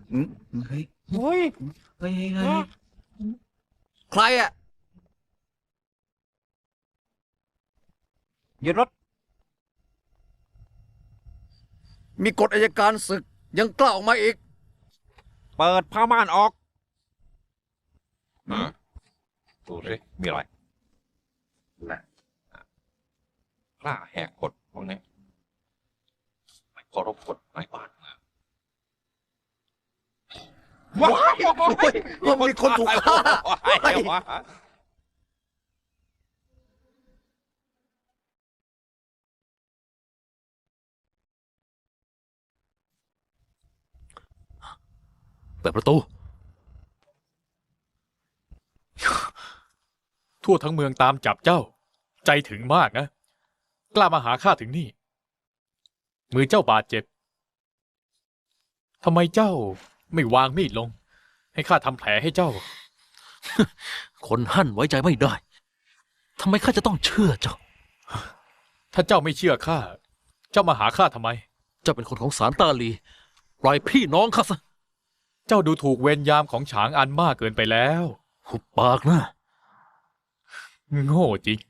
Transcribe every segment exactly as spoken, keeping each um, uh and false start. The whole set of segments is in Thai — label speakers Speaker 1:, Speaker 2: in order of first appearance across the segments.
Speaker 1: เฮ้ย
Speaker 2: เฮ้ย
Speaker 1: เฮ้ยเฮ้ยใครอ่ะ
Speaker 2: หยุดรถ
Speaker 1: มีกฎอัยการศึกยังกล้าออกมาอีก
Speaker 2: เปิดผ้าม่านออก
Speaker 3: ดูสิมีอะไรนะกล้าแหกกฎพวกนี้ไม่เคารพกฎนายบ้านนะ
Speaker 1: ว้ายโอ้ยมีคนถูกฆ่า
Speaker 4: เปิดประตู
Speaker 5: ทั่วทั้งเมืองตามจับเจ้า ใจถึงมากนะ กล้ามาหาข้าถึงนี่ มือเจ้าบาดเจ็บทำไมเจ้าไม่วางมีดลง ให้ข้าทำแผลให้เจ้า
Speaker 4: คนหั่นไว้ใจไม่ได้ทำไมข้าจะต้องเชื่อเจ้า
Speaker 5: ถ้าเจ้าไม่เชื่อข้า เจ้ามาหาข้าทำไม
Speaker 4: เจ้าเป็นคนของสารตาลี ปล่อยพี่น้องข้าซะ
Speaker 5: เจ้าดูถูกเวรยามของฉางอันมากเกินไปแล้ว
Speaker 4: หุบปากนะ
Speaker 5: โง่จริง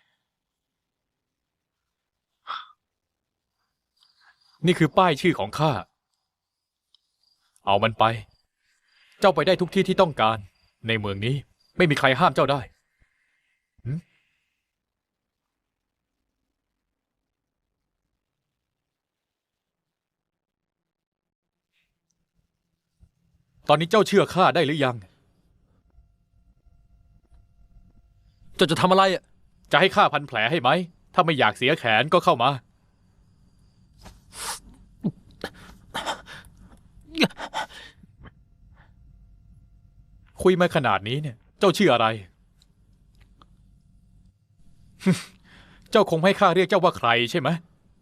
Speaker 5: นี่คือป้ายชื่อของข้า เอามันไป เจ้าไปได้ทุกที่ที่ต้องการ ในเมืองนี้ไม่มีใครห้ามเจ้าได้หึตอนนี้เจ้าเชื่อข้าได้หรือยัง
Speaker 4: เจ้าจะทำอะไรอ่ะ
Speaker 5: จะให้ข้าพันแผลให้ไหม ถ้าไม่อยากเสียแขนก็เข้ามา คุยมาขนาดนี้เนี่ย เจ้าชื่ออะไร เจ้าคงให้ข้าเรียกเจ้าว่าใครใช่ไหม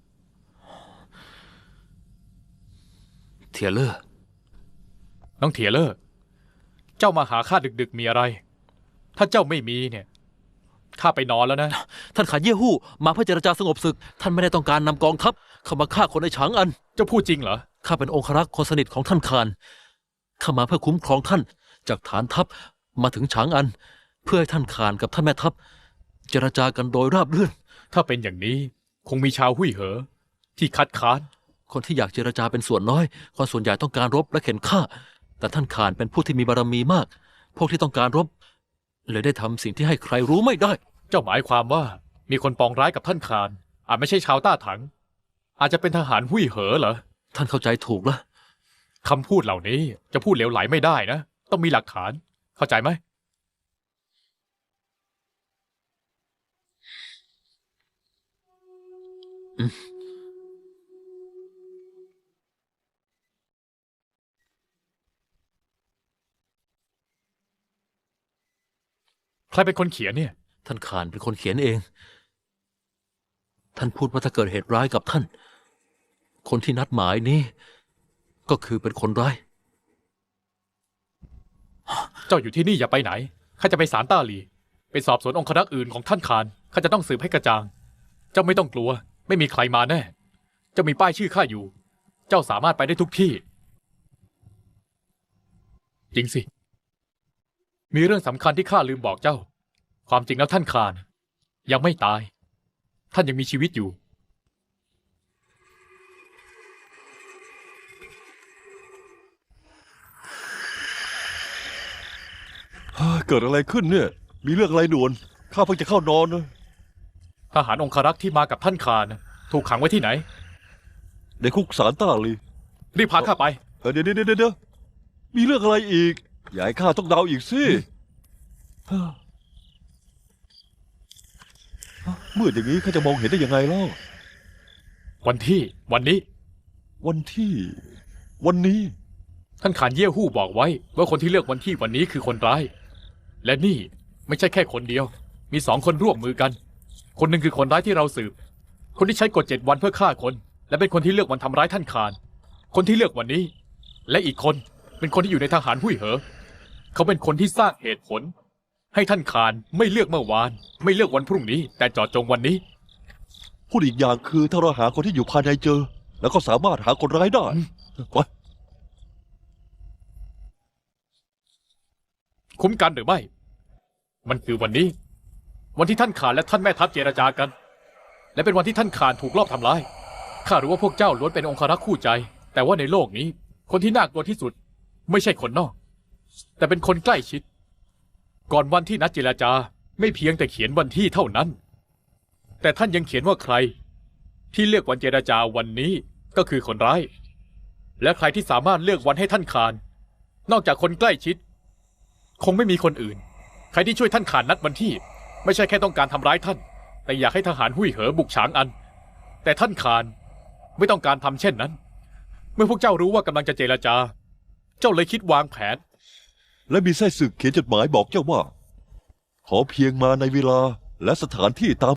Speaker 4: เทียเลอร์
Speaker 5: น้องเถียเลอร์เจ้ามาหาข้าดึกๆมีอะไร ถ้าเจ้าไม่มีเนี่ย ข้าไปนอนแล้วนะ
Speaker 4: ท่านขาเย่ฮู้มาเพื่อเจรจาสงบศึก ท่านไม่ได้ต้องการนำกองทัพเข้ามาฆ่าคนในฉางอัน
Speaker 5: เจ้าพูดจริงเหรอ
Speaker 4: ข้าเป็นองครักษ์คนสนิทของท่านคานข้ามาเพื่อคุ้มครองท่านจากฐานทัพมาถึงฉางอัน เพื่อให้ท่านคานกับท่านแม่ทัพเจรจากันโดยราบรื่น
Speaker 5: ถ้าเป็นอย่างนี้คงมีชาวหุ่ยเหอ ที่คัดค้าน
Speaker 4: คนที่อยากเจรจาเป็นส่วนน้อยคนส่วนใหญ่ต้องการรบและเข็นฆ่า แต่ท่านคานเป็นผู้ที่มีบารมีมาก พวกที่ต้องการรบเลยได้ทำสิ่งที่ให้ใครรู้ไม่ได้
Speaker 5: เจ้าหมายความว่ามีคนปองร้ายกับท่านคานอาจไม่ใช่ชาวต้าถัง อาจจะเป็นทหารหุ่ยเหอเหรอ
Speaker 4: ท่านเข้าใจถูกแล้ว
Speaker 5: คำพูดเหล่านี้จะพูดเหลวไหลไม่ได้นะ ต้องมีหลักฐาน เข้าใจไหม
Speaker 4: อืม
Speaker 5: ใครเป็นคนเขียนเนี่ย
Speaker 4: ท่านคานเป็นคนเขียนเอง ท่านพูดว่าถ้าเกิดเหตุร้ายกับท่าน คนที่นัดหมายนี้ ก็คือเป็นคนร้าย
Speaker 5: เจ้าอยู่ที่นี่อย่าไปไหน ข้าจะไปศาลต้าหลี ไปสอบสวนองครักษ์อื่นของท่านคาน ข้าจะต้องสืบให้กระจ่าง เจ้าไม่ต้องกลัว ไม่มีใครมาแน่ เจ้ามีป้ายชื่อข้าอยู่ เจ้าสามารถไปได้ทุกที่ จริงสิ มีเรื่องสำคัญที่ข้าลืมบอกเจ้า ความจริงแล้วท่านคานยังไม่ตาย ท่านยังมีชีวิตอยู่
Speaker 6: เกิดอะไรขึ้นเนี่ย มีเรื่องอะไรด่วน ข้าเพิ่งจะเข้านอนนะ
Speaker 5: ทหารองครักษ์ที่มากับท่านคานถูกขังไว้ที่ไหน
Speaker 6: ในคุกสารต้าลี
Speaker 5: รีบพาข้าไป
Speaker 6: เออเดี๋ยวเดี๋ยวเดี๋ยวมีเรื่องอะไรอีก อย่าให้ข้าต้องเดาอีกสิมืดอย่างนี้ข้าจะมองเห็นได้ยังไงเล่า
Speaker 5: วันที่วันนี้
Speaker 6: วันที่ วันนี้
Speaker 5: ท่านขานเย่ฮู้บอกไว้ว่าคนที่เลือกวันที่วันนี้คือคนร้าย และนี่ไม่ใช่แค่คนเดียว มีสองคนร่วมมือกัน คนหนึ่งคือคนร้ายที่เราสืบ คนที่ใช้กฎเจ็ดวันเพื่อฆ่าคน และเป็นคนที่เลือกวันทำร้ายท่านขาน คนที่เลือกวันนี้ และอีกคนเป็นคนที่อยู่ในทหารหุ่ยเหอ เขาเป็นคนที่สร้างเหตุผล ให้ท่านขานไม่เลือกเมื่อวาน ไม่เลือกวันพรุ่งนี้ แต่เจาะจงวันนี้
Speaker 6: พูดอีกอย่างคือถ้าเราหาคนที่อยู่ภายในเจอ แล้วก็สามารถหาคนร้ายได้ไป
Speaker 5: คุ้มกันหรือไม่ มันคือวันนี้ วันที่ท่านขานและท่านแม่ทัพเจรจากัน และเป็นวันที่ท่านขานถูกลอบทำร้ายข้ารู้ว่าพวกเจ้าล้วนเป็นองครักษ์คู่ใจ แต่ว่าในโลกนี้ คนที่น่ากลัวที่สุด ไม่ใช่คนนอก แต่เป็นคนใกล้ชิด ก่อนวันที่นัดเจรจาไม่เพียงแต่เขียนวันที่เท่านั้น แต่ท่านยังเขียนว่าใคร ที่เลือกวันเจรจาวันนี้ก็คือคนร้าย และใครที่สามารถเลือกวันให้ท่านขาน นอกจากคนใกล้ชิด คงไม่มีคนอื่น ใครที่ช่วยท่านขานนัดวันที่ ไม่ใช่แค่ต้องการทำร้ายท่าน แต่อยากให้ทหารหุ้ยเหอบุกฉางอัน แต่ท่านขานไม่ต้องการทำเช่นนั้น เมื่อพวกเจ้ารู้ว่ากำลังจะเจรจา เจ้าเลยคิดวางแผน
Speaker 6: และมีไส้ศึกเขียนจดหมายบอกเจ้าว่า ขอเพียงมาในเวลาและสถานที่ตาม